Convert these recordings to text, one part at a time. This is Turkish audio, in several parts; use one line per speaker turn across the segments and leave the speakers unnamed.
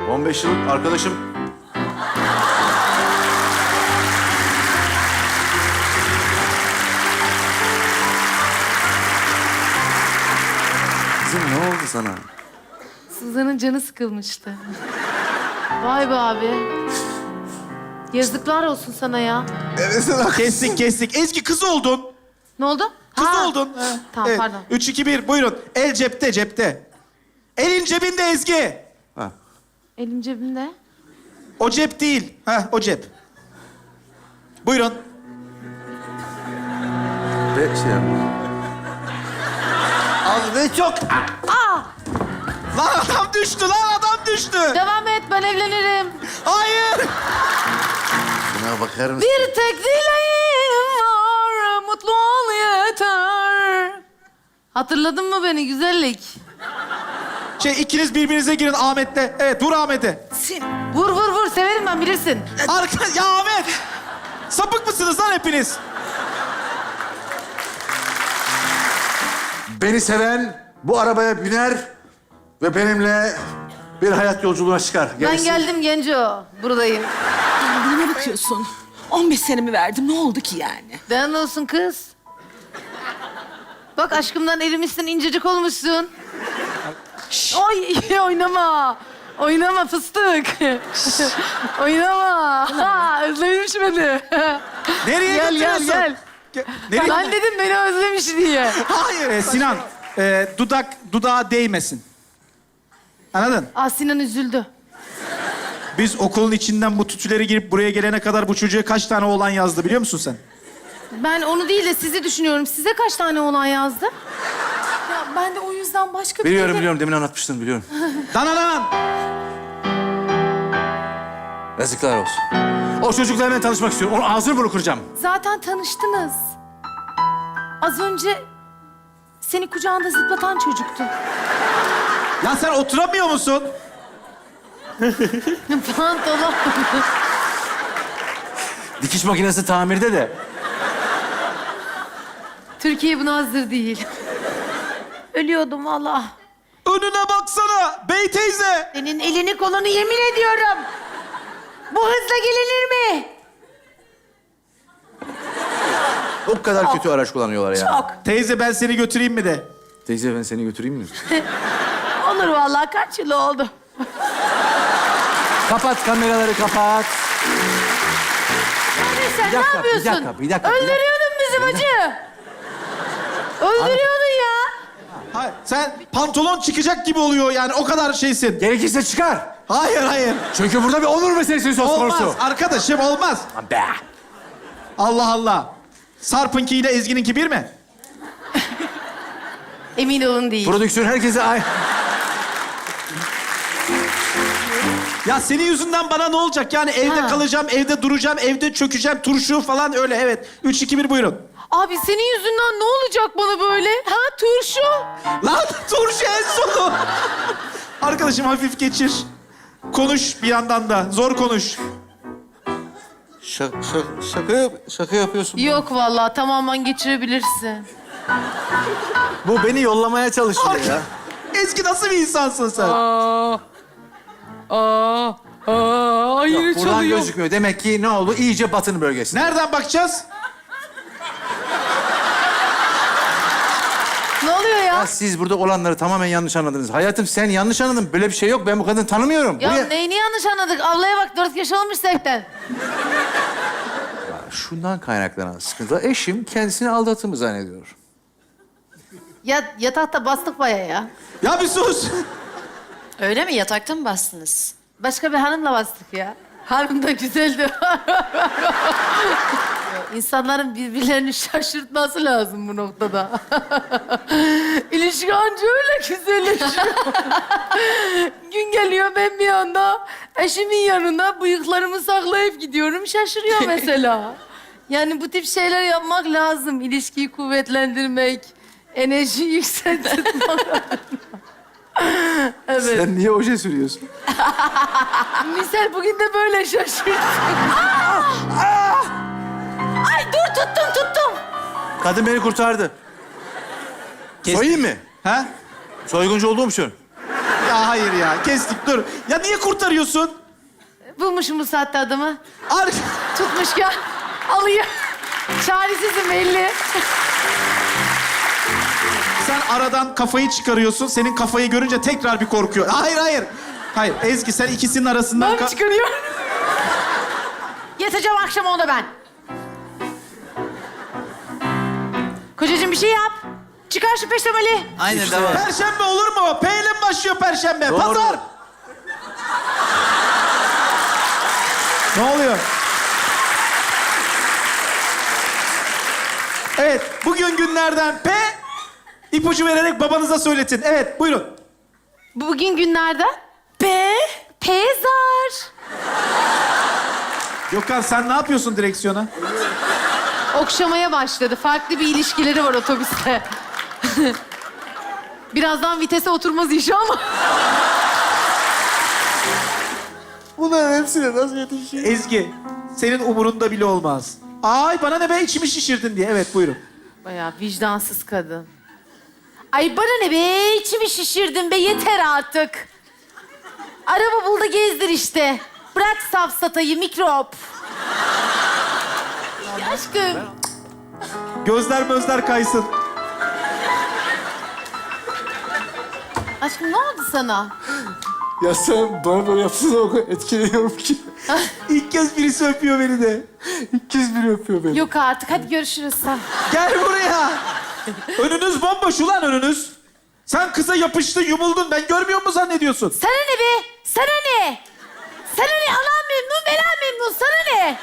15 yıllık arkadaşım. Kızım ne oldu sana?
Suzan'ın canı sıkılmıştı. Vay be abi. Yazıklar olsun sana ya.
Kestik. Ezgi kız oldun.
Ne oldu?
Kız
Ha.
oldun.
Tamam, pardon.
3, 2, 1 buyurun. El cepte. Elin cebinde Ezgi.
Ha.
Elim cebimde.
O cep değil. O cep. Buyurun.
Ve şey
Abi ve çok...
Lan adam düştü.
Devam et, ben evlenirim.
Hayır.
Buna bakar mısın?
Bir tek dileğim var, mutlu ol yeter. Hatırladın mı beni güzellik?
İkiniz birbirinize girin Ahmet'le. Evet vur Ahmet'e.
Vur, severim ben, bilirsin.
Ya Ahmet. Sapık mısınız lan hepiniz?
Beni seven bu arabaya biner ve benimle bir hayat yolculuğuna çıkar.
Ben
Gerisi-
geldim Genco, buradayım.
Bana ne bakıyorsun? 15 senemi verdim. Ne oldu ki yani?
Dayan olsun kız. Bak aşkımdan erimişsin, incecik olmuşsun. Oy, oynama. Oynama fıstık. Oynama. Ha, özlemiş beni.
Nereye
Gel,
götürüyorsun?
gel.
Nereye?
Ben dedim beni özlemiş diye.
Hayır Sinan. Dudağa değmesin. Anladın?
Sinan üzüldü.
Biz okulun içinden bu tütüleri girip buraya gelene kadar bu çocuğa kaç tane oğlan yazdı biliyor musun sen?
Ben onu değil de sizi düşünüyorum. Size kaç tane oğlan yazdı?
Ya ben de o yüzden başka bir...
Biliyorum. Demin anlatmıştın biliyorum.
Dananan.
Yazıklar olsun. O çocuklarla tanışmak istiyorum. Onun ağzını bunu kıracağım.
Zaten tanıştınız. Az önce seni kucağında zıplatan çocuktu.
Ya sen oturamıyor musun?
Pantolon.
Dikiş makinesi tamirde de.
Türkiye buna hazır değil. Ölüyordum valla.
Önüne baksana bey teyze.
Senin elini kolunu yemin ediyorum. Bu hızla gelinir mi?
O kadar kötü araç kullanıyorlar ya.
Çok.
Teyze ben seni götüreyim mi de?
Teyze ben seni götüreyim mi?
Olur vallahi, kaç yıl oldu.
Kapat kameraları kapat.
Yani sen
Bir dakika,
ne yapıyorsun?
bir dakika.
Öldürüyordun bizi bacı. Öldürüyordun ya.
Hayır, sen pantolon çıkacak gibi oluyor yani o kadar şeysin.
Gerekirse çıkar.
Hayır.
Çünkü burada bir onur meselesi söz
Olmaz
konusu.
arkadaşım olmaz.
Be.
Allah. Sarp'ınkiyle Ezgi'ninki bir mi?
Emin olun değil.
Prodüksiyon herkese ay.
Ya senin yüzünden bana ne olacak? Yani evde
Ha.
kalacağım, evde duracağım, evde çökeceğim, turşu falan öyle evet. 3, 2, 1 buyurun.
Abi senin yüzünden ne olacak bana böyle? Ha, turşu.
Lan turşu en sonu. Arkadaşım hafif geçir. Konuş bir yandan da. Zor konuş.
Şaka yapıyorsun.
Yok vallahi, tamamen geçirebilirsin.
Bu beni yollamaya çalışıyor ya.
Ezgi nasıl bir insansın sen?
Hayır
Buradan gözükmüyor. Demek ki ne oldu? İyice batın bölgesi.
Nereden bakacağız?
Ne oluyor ya?
Ya siz burada olanları tamamen yanlış anladınız. Hayatım sen yanlış anladın. Böyle bir şey yok. Ben bu kadını tanımıyorum.
Ya
Buraya-
neyini yanlış anladık? Ablaya bak, 4 yaş olmuş zaten.
Şundan kaynaklanan sıkıntı. Eşim kendisini aldattığımı zannediyor.
Ya yatakta bastık baya ya.
Ya bir sus.
Öyle mi? Yatakta mı bastınız?
Başka bir hanımla bastık ya. Hanım da güzeldi. İnsanların birbirlerini şaşırtması lazım bu noktada. İlişki anca öyle güzelleşiyor. Gün geliyor, ben bir anda eşimin yanında bıyıklarımı saklayıp gidiyorum. Şaşırıyor mesela. Yani bu tip şeyler yapmak lazım. İlişkiyi kuvvetlendirmek, enerjiyi yükseltmek. Evet.
Sen niye oje sürüyorsun?
Misal bugün de böyle şaşırdım. Ay dur, tuttum.
Kadın beni kurtardı. Soyayım mı?
Ha?
Soyguncu olduğum için.
Ya Ya hayır ya. Kestik dur. Ya niye kurtarıyorsun?
Bulmuşum bu saatte adamı.
Ar
Tutmuşken alıyor. Çaresizim belli.
Sen aradan kafayı çıkarıyorsun. Senin kafayı görünce tekrar bir korkuyor. Hayır hayır. Hayır Ezgi sen ikisinin arasından...
Ben çıkarıyorum. Yatacağım akşam ona ben. Kocacığım bir şey yap. Çıkar şu peştemali.
Aynen devam.
Perşembe olur mu? P ile mi başlıyor Perşembe?
Doğru.
Pazar. Ne oluyor? Evet, bugün günlerden P. İpucu vererek babanıza söyletin. Evet, buyurun.
Bugün günlerden Pezar.
Gökhan sen ne yapıyorsun direksiyona?
Okşamaya başladı. Farklı bir ilişkileri var otobüste. Birazdan vitese oturmaz inşallah.
Bunların hepsine nasıl yetişiyor?
Ezgi, senin umurunda bile olmaz. Ay bana ne be içimi şişirdin diye. Evet, buyurun.
Bayağı vicdansız kadın. Ay bana ne be, içimi şişirdin be, yeter artık. Araba bul da gezdir işte. Bırak safsatayı, mikrop. Ya aşkım.
Gözler kaysın.
Aşkım ne oldu sana?
Ya sen bana böyle yapsana o kadar etkileniyorum ki.
İlk kez birisi öpüyor beni de.
İlk kez biri öpüyor beni.
Yok artık, hadi görüşürüz sen.
Gel buraya. Önünüz bomboş ulan önünüz. Sen kıza yapıştın, yumuldun. Ben görmüyor mu zannediyorsun?
Sana ne be? Sana ne? Sana ne? Anam memnun, veren memnun. Sana ne?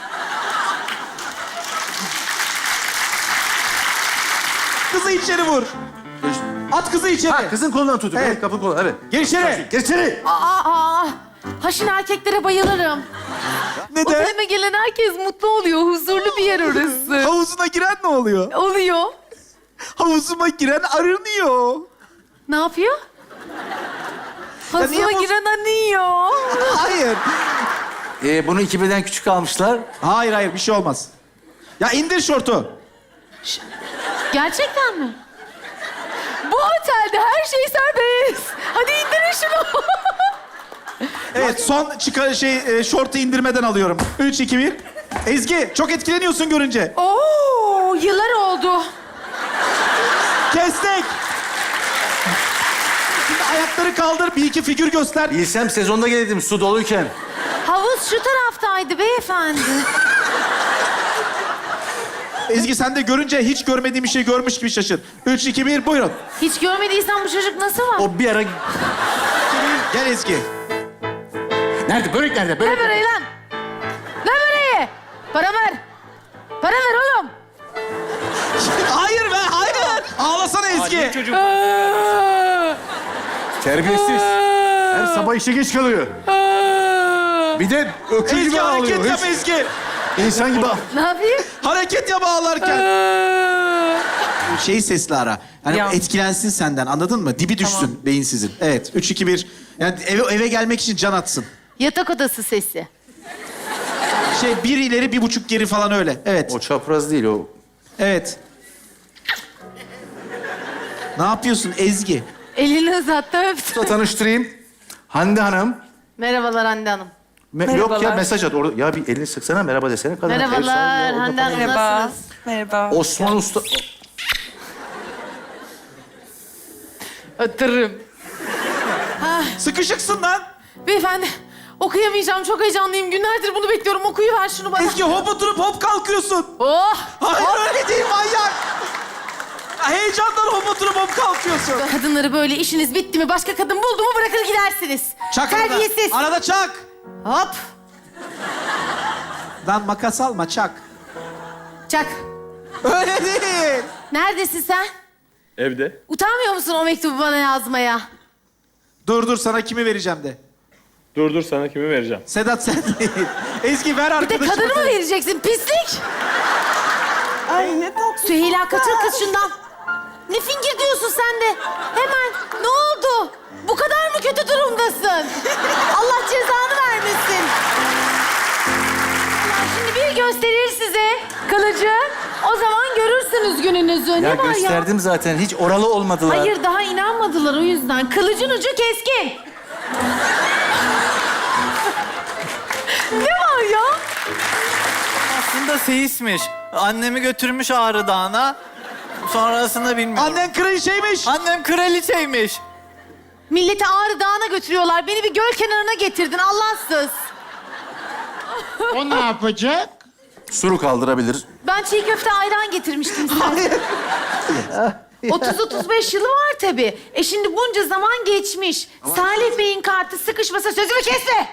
Kızı içeri vur. At kızı içeri.
Ha, kızın kolundan tutuyor.
Evet.
Evet, kapı kolu. Evet.
Gel içeri.
Geç içeri.
Aa. Haşin erkeklere bayılırım.
Neden?
Otelime gelen herkes mutlu oluyor. Huzurlu bir yer orası.
Havuzuna giren ne oluyor?
Oluyor.
Havuzuma giren arınıyor.
Ne yapıyor? Hazıma
niye bu-
giren anıyor.
Hayır.
Bunu 2000'den küçük almışlar.
Hayır bir şey olmaz. Ya indir şortu.
Gerçekten mi? Bu otelde her şey serbest. Hadi indirin şunu.
Evet son şortu indirmeden alıyorum. 3, 2, 1. Ezgi çok etkileniyorsun görünce.
Oo, yıllar oldu.
Kestik. Şimdi ayakları kaldır, bir iki figür göster.
Bilsem sezonda gelirdim su doluyken.
Havuz şu taraftaydı beyefendi.
Ezgi sen de görünce hiç görmediğim bir şey görmüş gibi şaşır. 3, 2, 1 buyurun.
Hiç görmediysen bu çocuk nasıl var?
O bir ara...
Gel Ezgi.
Nerede? Börek nerede? Börek.
Ne böreği lan? Ne böreği? Para ver. Para ver oğlum.
Hayır be hayır. Ağlasana Ezgi.
Terbiyesiz. Her sabah işe geç kalıyor. Bir de öküz
Ezgi
gibi
hareket
ağlıyor.
yap
Hiç
Ezgi.
İnsan gibi ağlıyor.
Ne yapayım?
Hareket yap ağlarken. Sesli ara. Hani
Ya.
etkilensin senden anladın mı? Dibi düşsün beyinsizin. Evet 3, 2, 1. Yani eve gelmek için can atsın.
Yatak odası sesi.
Bir ileri 1,5 geri falan öyle. Evet.
O çapraz değil o.
Evet. Ne yapıyorsun Ezgi?
Elini uzattı öptü.
Tanıştırayım. Hande Hanım.
Merhabalar Hande Hanım.
Yok ya
Merhabalar.
mesaj at. Orada, ya bir elini sıksana merhaba desene. Kadına. El
Merhabalar
salla, orada
Hande Hanım,
Merhaba.
nasılsınız?
Merhaba.
Osman Usta...
Ötürüm.
Sıkışıksın lan.
Beyefendi, okuyamayacağım. Çok heyecanlıyım. Günlerdir bunu bekliyorum. Okuyuver şunu bana.
Ezgi hop oturup hop kalkıyorsun.
Oh!
Hayır öyle değil manyak. Heyecandan hop oturup hop kalkıyorsun.
Kadınları böyle işiniz bitti mi, başka kadın buldu mu bırakır gidersiniz.
Çak arada.
Terbiyesiz.
Arada çak.
Hop!
Lan makas alma çak.
Çak.
Öyle değil.
Neredesin sen?
Evde.
Utanmıyor musun o mektubu bana yazmaya?
Dur sana kimi vereceğim de.
Dur sana kimi vereceğim?
Sedat sen değil. Ezgi ver
Bir de
arkadaşıma.
kadını mı vereceksin? Pislik!
Ay ne tatlı.
Süheyla kaçır kız şundan. Ne fingir diyorsun sen de? Hemen. Ne oldu? Bu kadar mı kötü durumdasın? Allah cezanı vermesin. Allah şimdi bir gösterir size kılıcı. O zaman görürsünüz gününüzü.
Ya
Ne var ya?
gösterdim zaten. Hiç oralı olmadılar.
Hayır daha inanmadılar o yüzden. Kılıcın ucu keskin.
seyismiş. Annemi götürmüş Ağrı Dağı'na. Sonrasında bilmiyorum.
Annen kraliçeymiş.
Annem kraliçeymiş.
Milleti Ağrı Dağı'na götürüyorlar. Beni bir göl kenarına getirdin Allahsız.
O ne yapacak?
Suru kaldırabilir.
Ben çiğ köfte ayran getirmiştim size. 30-35 yılı var tabii. Şimdi bunca zaman geçmiş. Salih Bey'in kartı sıkışmasa sözümü kesme.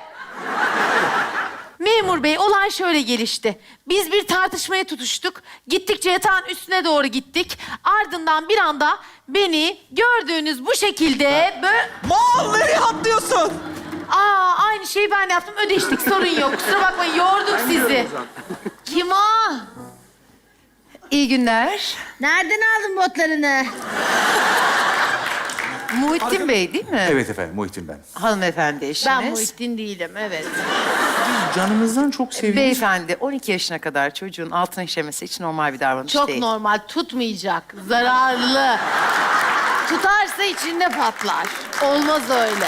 Memur bey, olay şöyle gelişti. Biz bir tartışmaya tutuştuk. Gittikçe yatağın üstüne doğru gittik. Ardından bir anda beni gördüğünüz bu şekilde böyle...
Mal nereye atlıyorsun?
Aynı şeyi ben yaptım. Ödeştik, sorun yok. Kusura bakmayın, yorduk sizi. Kim o? İyi günler.
Nereden aldın botlarını?
Muhittin Bey değil mi?
Evet efendim, Muhittin ben.
Hanımefendi eşiniz.
Ben Muhittin değilim, evet.
Canımızdan çok seviyoruz.
Beyefendi 12 yaşına kadar çocuğun altına işemesi hiç normal bir davranış
Çok
değil.
normal, tutmayacak. Zararlı. Tutarsa içinde patlar. Olmaz öyle.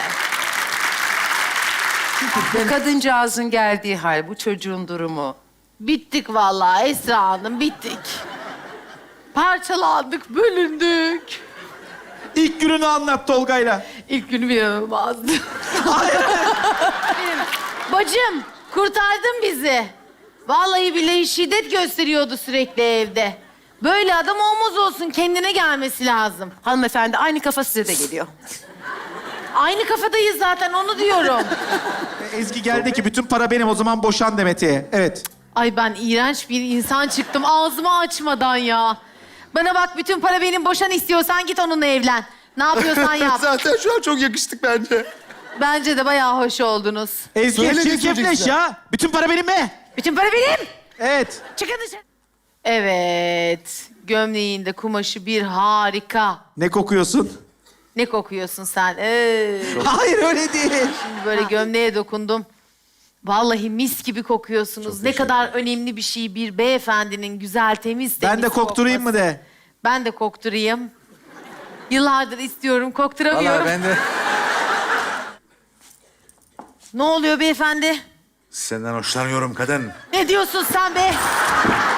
Bu kadıncağızın geldiği hal, bu çocuğun durumu.
Bittik vallahi Esra Hanım, bittik. Parçalandık, bölündük.
İlk gününü anlat Tolga'yla.
İlk günüm inanılmazdı.
Bacım, kurtardın bizi. Vallahi billahi şiddet gösteriyordu sürekli evde. Böyle adam olmaz olsun, kendine gelmesi lazım.
Hanımefendi aynı kafa size de geliyor.
Aynı kafadayız zaten, onu diyorum.
Ezgi geldi ki bütün para benim, o zaman boşan Demet'e. Evet.
Ay ben iğrenç bir insan çıktım ağzımı açmadan ya. Bana bak, bütün para benim, boşan istiyorsan git onunla evlen. Ne yapıyorsan yap.
Zaten şu an çok yakıştık bence.
Bence de bayağı hoş oldunuz.
Ezgi
Söyle ne
çirkefleş
söyleyeceksin?
ya. Bütün para benim mi?
Bütün para benim.
Evet.
Çıkın dışarı. Evet. Gömleğinde kumaşı bir harika.
Ne kokuyorsun?
Ne kokuyorsun sen?
Hayır öyle değil.
Şimdi böyle gömleğe dokundum. Vallahi mis gibi kokuyorsunuz. Ne kadar önemli bir şey bir beyefendinin güzel, temiz
Ben de kokturayım
kokması.
mı de.
Ben de kokturayım. Yıllardır istiyorum, kokturamıyorum.
Vallahi ben de
Ne oluyor beyefendi?
senden hoşlanıyorum kadın.
Ne diyorsun sen be?